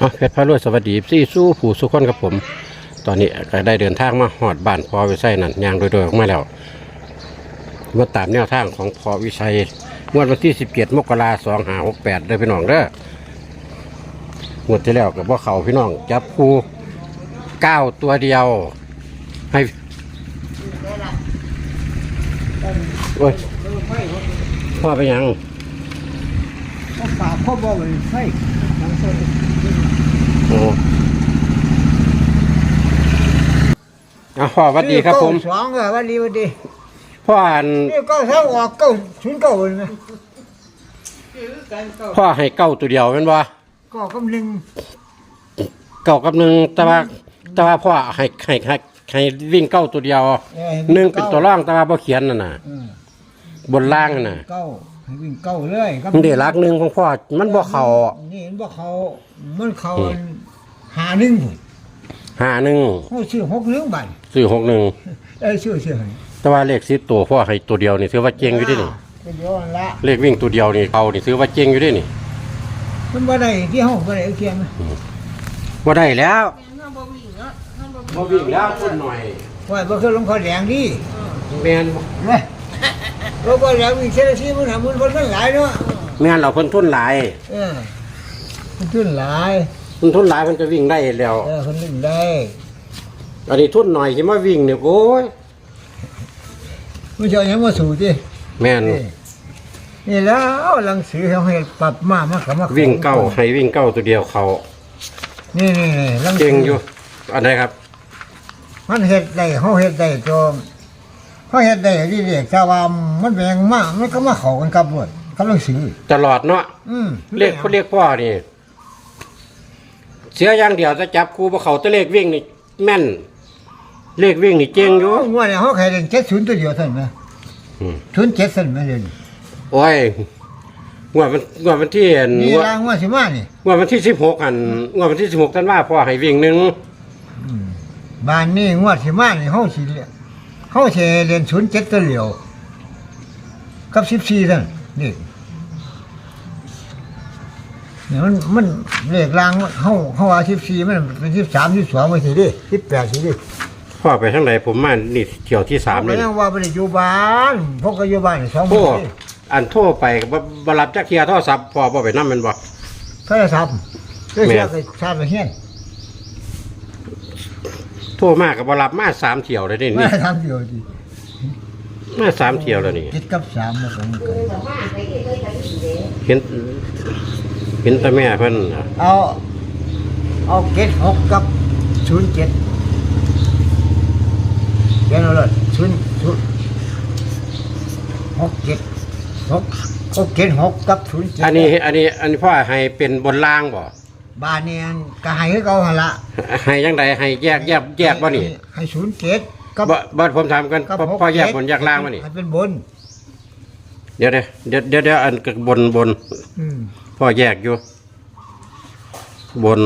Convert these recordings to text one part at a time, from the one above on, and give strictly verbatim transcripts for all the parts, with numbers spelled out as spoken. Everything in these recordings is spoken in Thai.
เพชรพระรวยสวัสดีซี่สู้ผู้สุขคนกับผม ตอนนี้ก็ได้เดินทางมาหอดบ้านพอวิชัยนั่นยางโดยๆออกมาแล้วมาตามแนวทางของพอวิชัยงวดวันที่สิบเจ็ดมกราสองห้าหกแปดเด้อพี่น้องเด้องวดที่แล้วกับว่าเขาพี่น้องจับคู่เก้าตัวเดียวให้โอ้ยพ่อไปยังพ่อป่าพ่อบอกเลยไฟทางโซนโอ้อ่ะพ่อสวัสดีครับผมสองเหรอวันดีวันดีพ่ออ่านนี่ก็เท่าออกเก้าชุนเก้าเลยนะพ่อให้เก้าตัวเดียวเป็นบ่ก็กำลังเก้ากับหนึ่งแต่ว่าแต่ว่าพ่อให้ให้ให้ให้วิ่งเก้าตัวเดียวหนึ่งเป็นตัวร่องแต่ว่าพ่อเขียนน่ะนะบนล่างน่ะเก้าให้วิ่งเก้าเลยมันเดี๋ยวรักหนึ่งของพ่อมันบ่เข่านี่มันบ่เข่ามันเข่าหาหนึ่งหาหนึ่งเขาซื้อหกหนึ่งใบซื้อหกหนึ่งเอ้ยซื้อซื้อให้แต่ว่าเลขสิบตัวพ่อให้ตัวเดียวนี่ถือว่าเจ๊งอยู่ดินี่เลขวิ่งตัวเดียวนี่เขานี่ถือว่าเจ๊งอยู่ดินี่มันบ่ได้ที่ห้องบ่ได้เอาเทียมบ่ได้แล้วบ่วิ่งแล้วคนหน่อยว่าบ่เคยลงข้อแดงดิแม่นบ่เราบ่แล้ววิ่งเส้นที่มันทำมันคนมันหลายเนาะแม่นเราเพิ่นทุนหลายเออมันทุนหลายเพิ่นทุนหลายเพิ่นจะวิ่งได้แล้วเออเพิ่นวิ่งได้อันนี้ทุนหน่อยสิมาวิ่งเนี่ยโอ้ยมันจะยังมาสู่ดิแม่นนี่แล้วหนังสือเขาให้ปรับมากมากกับมากวิ่งเก้าให้วิ่งเก้าตัวเดียวเขานี่นี่หนังสือเก่งอยู่อันไหนครับมันเฮ็ดได้เขาเฮ็ดได้จมเขาเฮ็ดได้ที่เด็กชาวบ้านมันแบ่งมากมันก็มาเข้ากันกับหมดกับหนังสือตลอดเนาะอืมเรียกเขาเรียกพ่อนี่เสียอย่างเดียวจะจับครูบ่เขาตัวเลขวิ่งนี่แม่นเลขวิ่งนี่เก่งอยู่งวดนี้เขาแค่เล่นเจ็ดศูนย์ตัวเดียวเท่านั้นนะศูนย์เจ็ดเท่านั้นไม่เล่นโอ้ยงวดมันงวดวันที่นี่ลางงวดสิมานี่งวดวันที่สิบหกอันงวดวันที่สิบหกท่านว่าพ่อให้วิ่งหนึ่งบ้านนี้งวดสิมานี่เขาสิเขาสิเล่นศูนย์เจ็ดตัวเดียวกับสิบสี่เท่านั้นนี่เนี่ยมันมันเลขลางเขาเขาว่าสิบสี่มันเป็นสิบสามสิบสองไปสิดิสิบแปดสิดิพ่อไปทางไหนผมมานี่เที่ยวที่สามเลยยังว่าไปอยู่บ้านพวกก็อยู่บ้านสองคนอันโทรไปบรับจักเทียโทรศัพท์พ่อพ่อไปนั่งมันบ่โทรศัพท์เรื่องเสียก็ชาติเฮียนโทรมากกับบรับมาสามเที่ยวเลยนี่มาสามเที่ยวดิมาสามเที่ยวแล้วนี่คิดกับสามมาสองกันเห็นเห็นแต่แม่เพิ่นเอาเอาเจ็ดหกกับศูนย์เจ็ดเดี๋ยวเราเลยศูนย์ศูนย์หกเจ็ดหกหกเจ็ดหกกับศูนย์เจ็ดอันนี้อันนี้อันนี้พ่อให้เป็นบนล่างบ่บ้านนี้ก็ให้ให้เขาหั่นละให้ยังไงให้แยกแยกแยกบ่นี่ให้ศูนย์เจ็ดกับบ่ผมถามกันพ่อแยกบนแยกล่างบ่นี่ให้เป็นบนเดี๋ยวเดี๋ยวเดี๋ยวเดี๋ยวอันบนบนพ่อแยกอยู่บน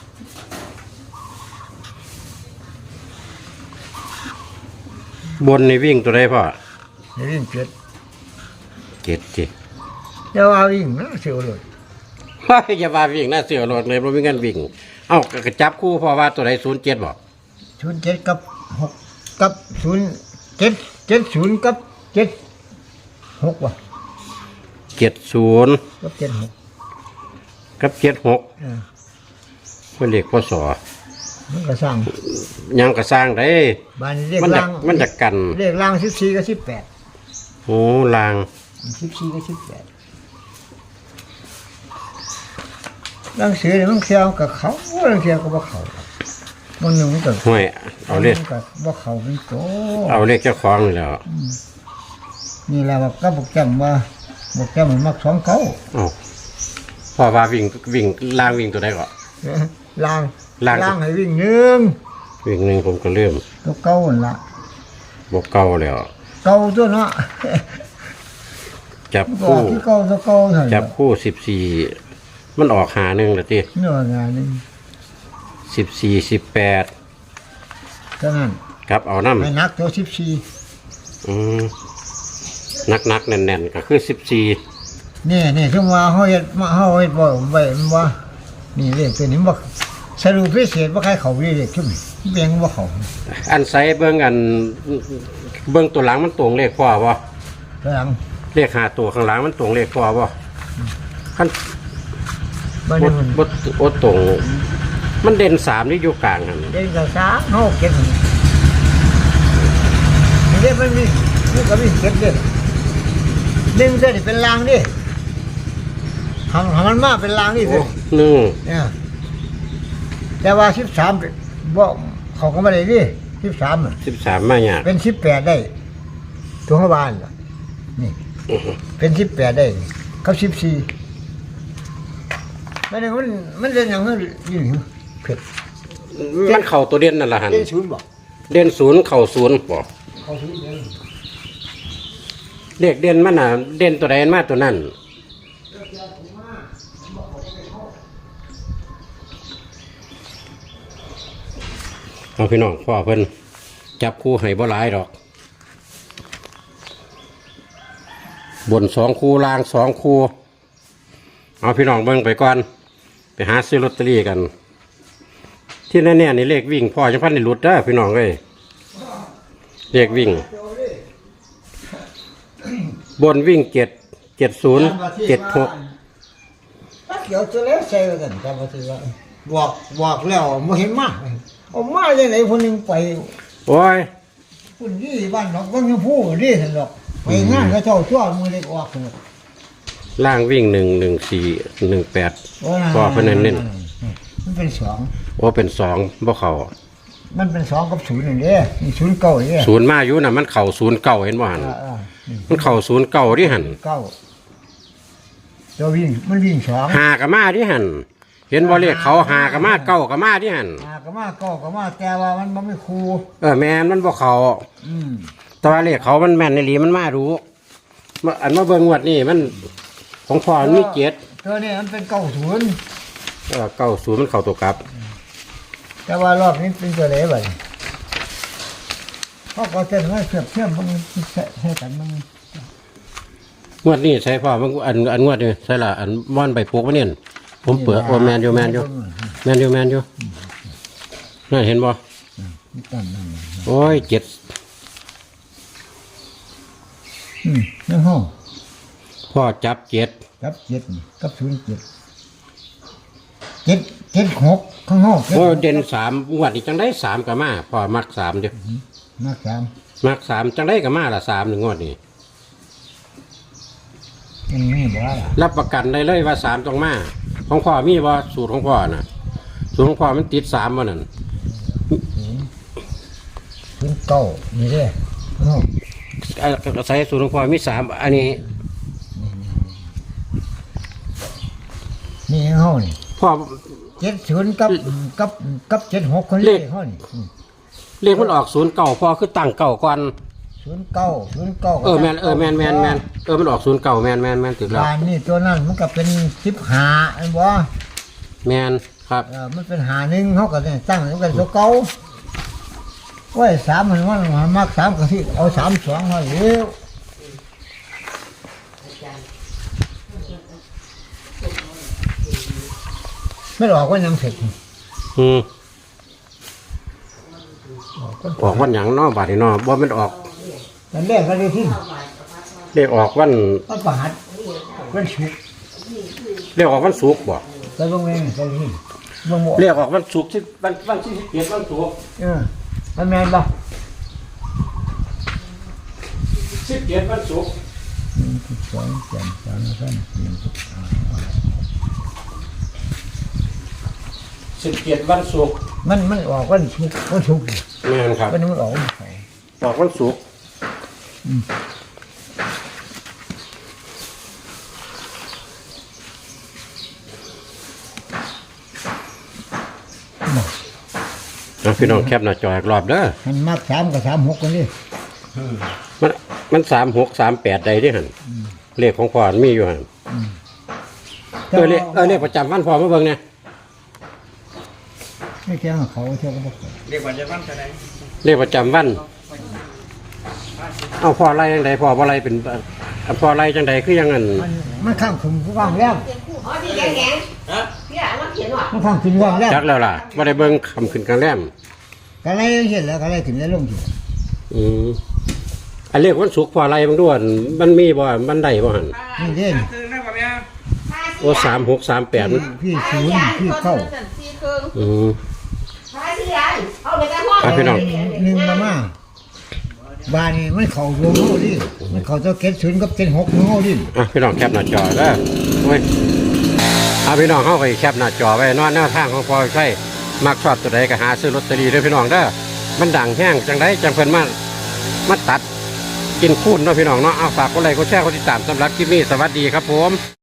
บนในวิ่งตัวใดพ่อวิ่งเจ็ดเจ็ดจีเดี๋ยวเอาวิ่งนะเสียวเลยว่าอย่าว่าวิ่งนะเสียวรถเลยเพราะไม่งั้นวิ่งเอ้ากระจับคู่พ่อว่าตัวใดศูนย์เจ็ดบอกศูนย์เจ็ดกับหกกับศูนย์เจ็ดเจ็ดศูนย์กับเจ็ดหกว่ะเจ็ดศูนย์กับเจ็ดหกกับเจ็ดหกเป็นเลขพศมันก็สร้างยังก็สร้างได้บ้านเลขล่างมันจะกันเลขล่างสิบสี่กับสิบแปดโอ้ล่างสิบสี่กับสิบแปดล่างเสือเนี่ยมันเขียวกับเขาล่างเขียวกับเขามันหนึ่งกับห่วยเอาเลขกับว่าเขาเป็นโตเอาเลขเจ้าของเลยแล้วนี่แหละว่าก็บอกจำว่าบอกจำมันมักสองเขาอ๋อพอว่าวิ่งวิ่งล่างวิ่งตัวใดก่อนล่างล่างให้วิ่งหนึ่งวิ่งหนึ่งผมก็เริ่มตัวเก่าละบอกเก่าแล้วเก่าตัวเนาะจับคู่เก่าตัวเก่าจับคู่สิบสี่มันออกหาหนึ่งละทีเนื้องานนึงสิบสี่สิบแปดเท่านั้นครับเอาน้ำให้นักตัวสิบสี่อืมนักนักแน่นๆก็คือสิบสี่นี่นี่คือว่าเขาเห็ดมาเขาเห็ดบ่อยบ่อยมันว่านี่เลขตัวนี้บ่สรุปพิเศษว่าใครเขาเลขชุ่มเบียงว่าเขาอันไซเบิ่งอันเบิ่งตัวหลังมันตรงเลขพ่อบ่ตัวหลังเลขหาตัวข้างหลังมันตรงเลขพ่อบ่ขั้นบ้านบนี้ดมันบดโอตรงมันเด่นสามนี่อยู่กลางหันเด็กกับสามเฮาเก็บนี่เด็กมันมีมันก็มีเก็บเด้หนึ่งเส้นเป็นรางดิทำทำมันมาเป็นรางนี่สิหนึ่งเนี่ยแต่ว่าสิบสามบ่เขาก็ไม่ได้ดิสิบสามสิบสามมาเนี่ยเป็นสิบแปดได้ตัวข้าบ้านล่ะนี่เป็นสิบแปดได้กับสิบสี่มันมันมันเรียนอย่างนั้นอยู่เผ็ดมันเข่าตัวเด่นนั่นแหละหันเรียนศูนย์บอกเด่นศูนย์เข่าศูนย์บ่เขาศูนย์เรียนเลขเด่นมันน่ะเด่นตัวใดมาตัวนั้นเอาพี่น้องพ่อเพิ่นจับคู่ให้บ่หลายดอก บนสองคู่ล่างสองคู่เอาพี่น้องเบิ่งไปก่อนไปหาซื้อลอตเตอรี่กัน ที่แน่ๆนี่เลขวิ่งพ่อจังพันในหลุดเด้อพี่น้องเอ้ยเลขวิ่ง บนวิ่งเจ็ดเจ็ดศูนย์เจ็ดหกถ้าเกี่ยวจะแล้วใส่กันจำว่าสิว่าบอกบอกแล้วไม่เห็นมาเอามาอย่างไหนคนหนึ่งไปโอ้ยคุณยี่บ้านหนองก็ยังพูดดิฉันหรอกไปงานก็เจ้าชั่วมือเล็กออกเลยล่างวิ่งหนึ่งหนึ่งสี่หนึ่งแปดพ่อเพิ่นเน้นมันเป็นสองๆโอ้เป็นสองบ่เข่ามันเป็นสองกับศูนย์อย่างเดียวมีศูนย์เก้าอย่างเดียวศูนย์มาอยู่น่ะมันเข่าศูนย์เก้าเห็นบ่หันอ่าอ่านี่มันเข่าศูนย์เก้าที่หันเก้าตัววิ่งมันวิ่งสองหากับมาที่หันเห็นบ่เลขเขาหากับมาเก้ากับมาที่หันอ่าก็มาเก้าก็มาแต่ว่ามันมันไม่คูเออแม่นมันบ่เข่าอืมแต่ว่าเลขเขามันแม่นในหลีมันมารู้มาอันมาเบิ่งงวดนี่มันของพ่อมันมีเจ็ดตัวนี้มันเป็นเก้าศูนย์เออเก้าศูนย์มันเข่าตัวกลับแต่ว่ารอบนี้เป็นตัวเล็กไปเขาก็เต้นว่าเสียบเทียมมันใช่กันมันงวดนี้ใช่พ่อมันอันอันงวดนี่ใช่ละอันม่อนใบพวกมันเนี่ยผมเปิดโอแมนอยู่แมนอยู่แมนอยู่แมนอยู่นั่นเห็นบ่ตั้งนั่นโอ้ยเจ็ดอืมนั่นห้องพ่อจับเจ็ดกับเจ็ดกับศูนย์เจ็ดเจ็ดเจ็ดหกข้างห้องโอ้เด่นสามงวดนี้จังได้สามกับมาพ่อมักสามเดียวมากสามมักสามจังได้กับมาละสามหนึ่งงวดนี้ยังไม่บอกล่ะรับประกันได้เลยว่าสามต้องมาของพ่อมีว่าสูตรของพ่อน่ะสูตรของพ่อมันติดสามวันนั่นศูนย์เก้านี่เด้ข้างห้องเอ่อใส่สูตรของพ่อมีสามอันนี้นี่ข้างห้องนี่พ่อเจ็ดศูนย์กับกับกับเจ็ดหกคนเลเลขขห้องนี่เลขมันออกศูนย์เก่าพ่อคือตั้งเก่าก่อนศูนย์เก้าศูนย์เก้าเออแมนเออแมนแมนแมนเออมันออกศูนย์เก่าแมนแมนแมนติดแล้วบ้านนี่ตัวนั้นมันก็เป็นสิบหาอันบ่แมนครับเออมันเป็นหาหนึ่งเขาก็เนี่ยตั้งมันเป็นตัวเก่าโอ้ยสามมันมันมันมักสามก็ที่เอาสามสองมาเร็วไม่ออกว่ายังเสร็จอืมออกวันหยังเนาะบาดนี้เนาะบ่แมันออกแต่แรกก็ได้ที่เลขออกวันมันประหัดมันฉุกเลขออกวันศุกร์บ่ก็ลงเองก็ได้ที่มันหมดเลขออกวันศุกร์ที่วันวันที่สิบเอ็ดวันศุกร์เออมันแมนปะสิบเอ็ดวันศุกร์หนึ่งสิบสองสามสามสามสี่สิบห้าสิบเอ็ดวันศุกร์มันมันออกวันฉุกวันฉุกแม่นครับวันนี้มันออกวันเสาร์ออกวันศุกร์ นะพี่น้องแคปหน้าจออีกรอบเด้อมันมากสามกับสามหกคนนี่มันมันสามหกสามแปดใดที่หันเลขของพ่อมันมีอยู่หันเออเลขเออเลขประจำวันพ่อมาเบิ่งเนี่ยไม่แค่เขาเท่ากับพวกเรียกว่าจะบ้านจะไหนเลขประจำวัน เอาพ่อไล่จังใดพ่อบ่ไล่เป็นเอาพ่อไล่จังใดคือยังงั้นมันมันข้างถึงผู้ว่างแล้วอ๋อที่แข็งแข็งพี่อ่ะมาเขียนว่ะมันฟังขึ้นว่างแล้วจักแล้วล่ะบ่ได้เบิ่งคำขึ้นกลางแรมก็ไล่เห็นแล้วก็ไล่ขึ้นแล้วลงทีอืมอันเรียกวันศุกร์พออะไรบางด้วนมันมีบ่มันได้บ่หั่นนี่เด่นโอ้สามหกสามแปดพี่ศูนย์พี่เข้าอืมเอาไปกันห้องอ่ะพี่น้องหนึ่งมามาบ้านนี่มันเข่าดวงเขาดิมันเข่าเจ้าเก็ดศูนย์กับเจ็ดหกของเขาดิอ่ะพี่น้องแคปหน้าจอเด้อโอ้ยเอาพี่น้องเฮาก็แคปหน้าจอไว้นอนแนวทางของพอใช่มักชอบตัวใดก็หาซื้อลอตเตอรี่เด้อพี่น้องเด้อมันดังแห้งจังไดจังเพิ่นมามาตัดกินคูนเนาะพี่น้องเนาะเอาฝากกดไลค์กดแชร์กดติดตามสำหรับคลิปนี้สวัสดีครับผม